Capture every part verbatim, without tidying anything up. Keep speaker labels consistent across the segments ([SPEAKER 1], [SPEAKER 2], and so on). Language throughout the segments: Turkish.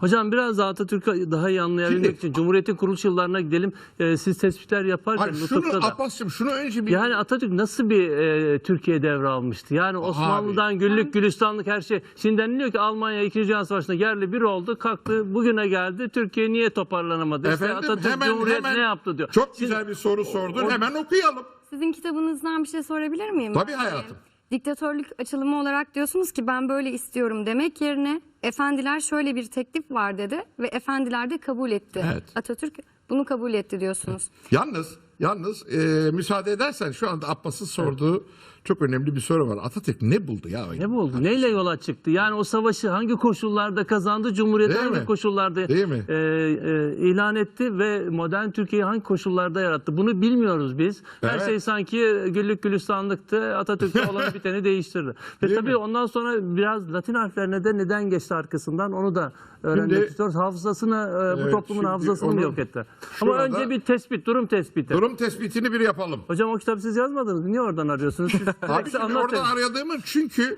[SPEAKER 1] Hocam biraz daha Atatürk'ü daha iyi anlayabilmek
[SPEAKER 2] Şimdi,
[SPEAKER 1] için Cumhuriyet'in kuruluş yıllarına gidelim. Ee, siz tespitler yaparken
[SPEAKER 2] Hayır, şunu
[SPEAKER 1] nutukta da.
[SPEAKER 2] Abbas'cığım şunu önce bir...
[SPEAKER 1] Yani Atatürk nasıl bir e, Türkiye devralmıştı? Yani Osmanlı'dan güllük gülistanlık her şey. Şimdi deniliyor ki Almanya ikinci. Dünya Savaşı'nda yerli bir oldu, kalktı, bugüne geldi. Türkiye niye toparlanamadı?
[SPEAKER 2] Efendim,
[SPEAKER 1] işte Atatürk
[SPEAKER 2] hemen,
[SPEAKER 1] Cumhuriyet
[SPEAKER 2] hemen,
[SPEAKER 1] ne yaptı diyor.
[SPEAKER 2] Çok
[SPEAKER 1] Şimdi,
[SPEAKER 2] güzel bir soru sordun.
[SPEAKER 1] o,
[SPEAKER 2] Hemen okuyalım.
[SPEAKER 3] Sizin kitabınızdan bir şey sorabilir miyim?
[SPEAKER 2] Tabii
[SPEAKER 3] ben?
[SPEAKER 2] hayatım.
[SPEAKER 3] Diktatörlük açılımı olarak diyorsunuz ki ben böyle istiyorum demek yerine efendiler şöyle bir teklif var dedi ve efendiler de kabul etti.
[SPEAKER 2] Evet.
[SPEAKER 3] Atatürk bunu kabul etti diyorsunuz.
[SPEAKER 2] Yalnız, yalnız e, müsaade edersen şu anda Abbas'ın sorduğu evet. çok önemli bir soru var. Atatürk ne buldu ya?
[SPEAKER 1] Ne buldu? Atatürk. Neyle yola çıktı? Yani o savaşı hangi koşullarda kazandı? Cumhuriyeti hangi mi? koşullarda
[SPEAKER 2] Değil mi?
[SPEAKER 1] E, e, ilan etti ve modern Türkiye'yi hangi koşullarda yarattı? Bunu bilmiyoruz biz. Her
[SPEAKER 2] evet.
[SPEAKER 1] şey sanki güllük gülistanlıktı. Atatürk'te olan biteni değiştirdi. Ve
[SPEAKER 2] Değil
[SPEAKER 1] tabii
[SPEAKER 2] mi?
[SPEAKER 1] ondan sonra biraz Latin harflerine de neden geçti arkasından onu da öğrenmek şimdi, istiyoruz. Hafızasını, e, bu
[SPEAKER 2] evet,
[SPEAKER 1] toplumun hafızasını mı yok etti? Ama önce bir tespit, durum tespiti.
[SPEAKER 2] Durum tespitini bir yapalım.
[SPEAKER 1] Hocam o kitabı siz yazmadınız. Niye oradan arıyorsunuz? Siz
[SPEAKER 2] Abi şimdi oradan aradığımı çünkü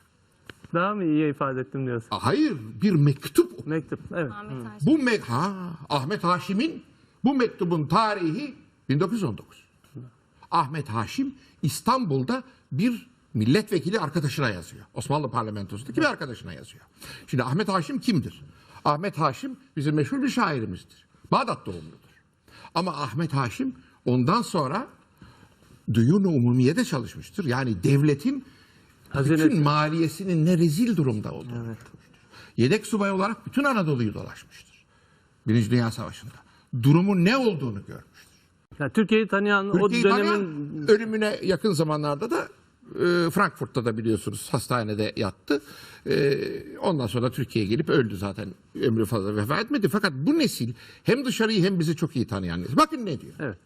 [SPEAKER 1] daha mı iyi ifade ettim diyorsun?
[SPEAKER 2] Hayır, bir mektup.
[SPEAKER 1] Mektup, evet.
[SPEAKER 3] Ahmet
[SPEAKER 2] Bu me ha, Ahmet Haşim'in bu mektubun tarihi bin dokuz yüz on dokuz. Ahmet Haşim İstanbul'da bir milletvekili arkadaşına yazıyor. Osmanlı parlamentosundaki bir arkadaşına yazıyor. Şimdi Ahmet Haşim kimdir? Ahmet Haşim bizim meşhur bir şairimizdir. Bağdat doğumludur. Ama Ahmet Haşim ondan sonra Duyun-u Umumiye'de çalışmıştır. Yani devletin Hazinesi. bütün maliyesinin ne rezil durumda olduğunu. Evet. Yedek subay olarak bütün Anadolu'yu dolaşmıştır. Birinci Dünya Savaşı'nda. Durumun ne olduğunu görmüştür.
[SPEAKER 1] Yani Türkiye'yi tanıyan
[SPEAKER 2] Türkiye'yi
[SPEAKER 1] o dönemin...
[SPEAKER 2] tanıyan, ölümüne yakın zamanlarda da e, Frankfurt'ta da biliyorsunuz hastanede yattı. E, ondan sonra Türkiye'ye gelip öldü zaten. Ömrü fazla vefat etmedi. Fakat bu nesil hem dışarıyı hem bizi çok iyi tanıyan nesil. Bakın ne diyor.
[SPEAKER 1] Evet.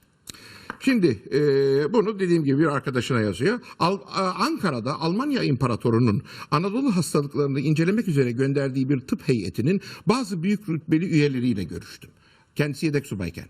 [SPEAKER 2] Şimdi e, bunu dediğim gibi bir arkadaşına yazıyor. Al, Ankara'da Almanya İmparatoru'nun Anadolu hastalıklarını incelemek üzere gönderdiği bir tıp heyetinin bazı büyük rütbeli üyeleriyle görüştüm. Kendisi yedek subayken.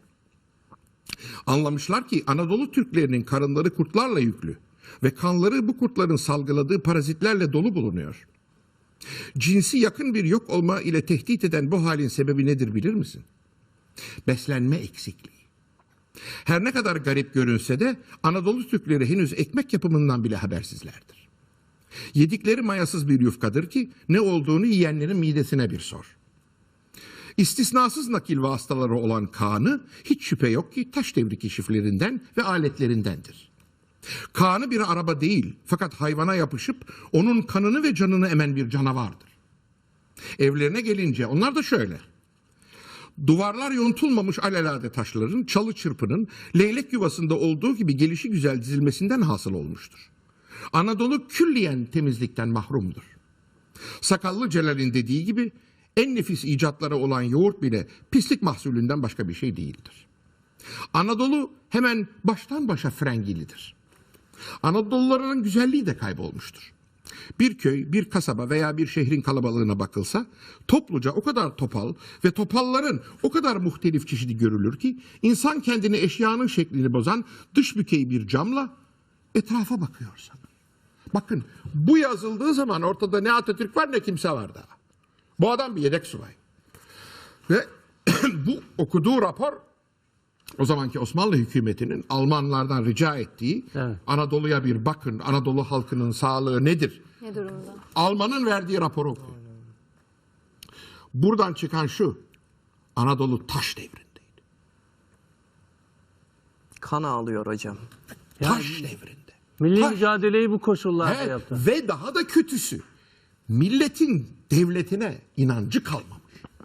[SPEAKER 2] Anlamışlar ki Anadolu Türklerinin karınları kurtlarla yüklü ve kanları bu kurtların salgıladığı parazitlerle dolu bulunuyor. Cinsi yakın bir yok olma ile tehdit eden bu halin sebebi nedir bilir misin? Beslenme eksikliği. Her ne kadar garip görünse de Anadolu Türkleri henüz ekmek yapımından bile habersizlerdir. Yedikleri mayasız bir yufkadır ki ne olduğunu yiyenlerin midesine bir sor. İstisnasız nakil vasıtaları olan kanı hiç şüphe yok ki taş devri keşiflerinden ve aletlerindendir. Kanı bir araba değil fakat hayvana yapışıp onun kanını ve canını emen bir canavardır. Evlerine gelince onlar da şöyle. Duvarlar yontulmamış alelade taşların, çalı çırpının leylek yuvasında olduğu gibi gelişi güzel dizilmesinden hasıl olmuştur. Anadolu külliyen temizlikten mahrumdur. Sakallı Celal'in dediği gibi en nefis icatları olan yoğurt bile pislik mahsulünden başka bir şey değildir. Anadolu hemen baştan başa frengilidir. Anadoluların güzelliği de kaybolmuştur. Bir köy, bir kasaba veya bir şehrin kalabalığına bakılsa topluca o kadar topal ve topalların o kadar muhtelif çeşidi görülür ki insan kendini eşyanın şeklini bozan dış bükey bir camla etrafa bakıyor sana. Bakın bu yazıldığı zaman ortada ne Atatürk var ne kimse var daha. Bu adam bir yedek subay. Ve bu okuduğu rapor o zamanki Osmanlı hükümetinin Almanlardan rica ettiği evet. Anadolu'ya bir bakın, Anadolu halkının sağlığı nedir?
[SPEAKER 3] Ne durumda?
[SPEAKER 2] Alman'ın verdiği raporu okuyun. Buradan çıkan şu, Anadolu taş devrindeydi.
[SPEAKER 4] Kan ağlıyor hocam.
[SPEAKER 2] Taş yani, devrinde.
[SPEAKER 1] Milli
[SPEAKER 2] taş.
[SPEAKER 1] mücadeleyi bu koşullarda
[SPEAKER 2] evet,
[SPEAKER 1] yaptı.
[SPEAKER 2] Ve daha da kötüsü, milletin devletine inancı kalmamış.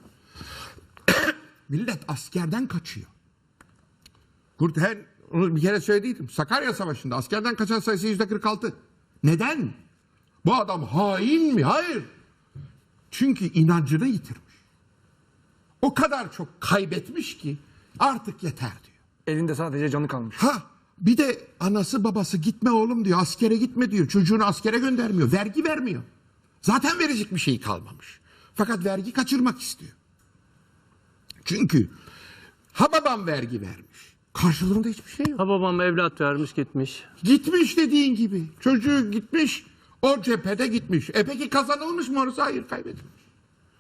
[SPEAKER 2] Millet askerden kaçıyor. Kurthen, onu bir kere söylediydim. Sakarya Savaşı'nda askerden kaçan sayısı yüzde kırk altı. Neden? Bu adam hain mi? Hayır. Çünkü inancını yitirmiş. O kadar çok kaybetmiş ki artık yeter diyor.
[SPEAKER 4] Elinde sadece canı kalmış.
[SPEAKER 2] Ha, bir de anası babası gitme oğlum diyor. Askere gitme diyor. Çocuğunu askere göndermiyor. Vergi vermiyor. Zaten verecek bir şey kalmamış. Fakat vergi kaçırmak istiyor. Çünkü ha babam vergi vermiş. Karşılığında hiçbir şey yok.
[SPEAKER 1] Ha babam evlat vermiş gitmiş.
[SPEAKER 2] Gitmiş dediğin gibi. Çocuğu gitmiş. O cephede gitmiş. E peki kazanılmış mı orası? Hayır, kaybedilmiş.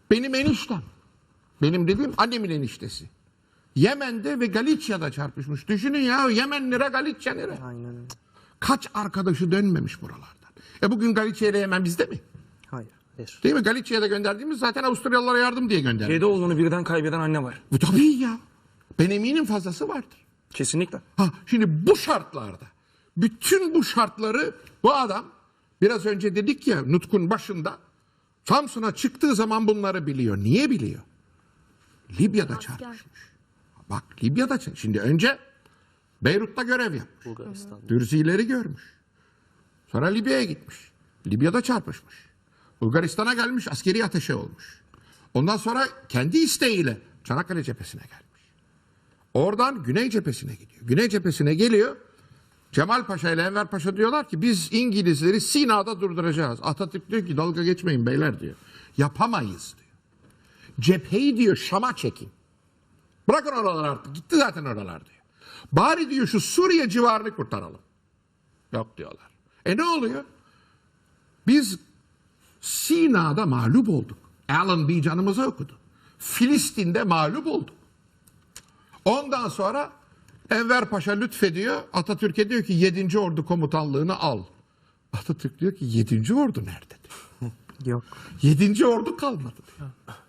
[SPEAKER 2] Benim eniştem. Benim dediğim annemin eniştesi. Yemen'de ve Galicia'da çarpışmış. Düşünün ya, Yemen nere, Galicia nere?
[SPEAKER 4] Aynen öyle.
[SPEAKER 2] Kaç arkadaşı dönmemiş buralardan. E bugün Galicia ile Yemen bizde mi?
[SPEAKER 4] Hayır. Hayır.
[SPEAKER 2] Değil mi? Galicia'ya da gönderdiğimiz zaten Avusturyalılara yardım diye gönderdik.
[SPEAKER 4] Yedi oğlunu birden kaybeden anne var.
[SPEAKER 2] Bu tabii ya. Ben eminim fazlası vardır.
[SPEAKER 4] Kesinlikle.
[SPEAKER 2] Ha, şimdi bu şartlarda, bütün bu şartları bu adam, biraz önce dedik ya Nutk'un başında, Samsun'a çıktığı zaman bunları biliyor. Niye biliyor? Libya'da çarpışmış. Bak Libya'da çarpışmış. Şimdi önce Beyrut'ta görev yapmış.
[SPEAKER 1] Bulgaristan.
[SPEAKER 2] Dürzileri görmüş. Sonra Libya'ya gitmiş. Libya'da çarpışmış. Bulgaristan'a gelmiş, askeri ateşe olmuş. Ondan sonra kendi isteğiyle Çanakkale cephesine gelmiş. Oradan Güney cephesine gidiyor. Güney cephesine geliyor. Cemal Paşa ile Enver Paşa diyorlar ki biz İngilizleri Sina'da durduracağız. Atatürk diyor ki dalga geçmeyin beyler diyor. Yapamayız diyor. Cepheyi diyor Şam'a çekin. Bırakın oralar artık. Gitti zaten oralar diyor. Bari diyor şu Suriye civarını kurtaralım. Yok diyorlar. E ne oluyor? Biz Sina'da mağlup olduk. Allenby canımıza okudu. Filistin'de mağlup olduk. Ondan sonra Enver Paşa lütfediyor. Atatürk'e diyor ki yedinci Ordu komutanlığını al. Atatürk diyor ki yedinci Ordu nerede diyor.
[SPEAKER 4] Yok.
[SPEAKER 2] yedinci Ordu kalmadı diyor.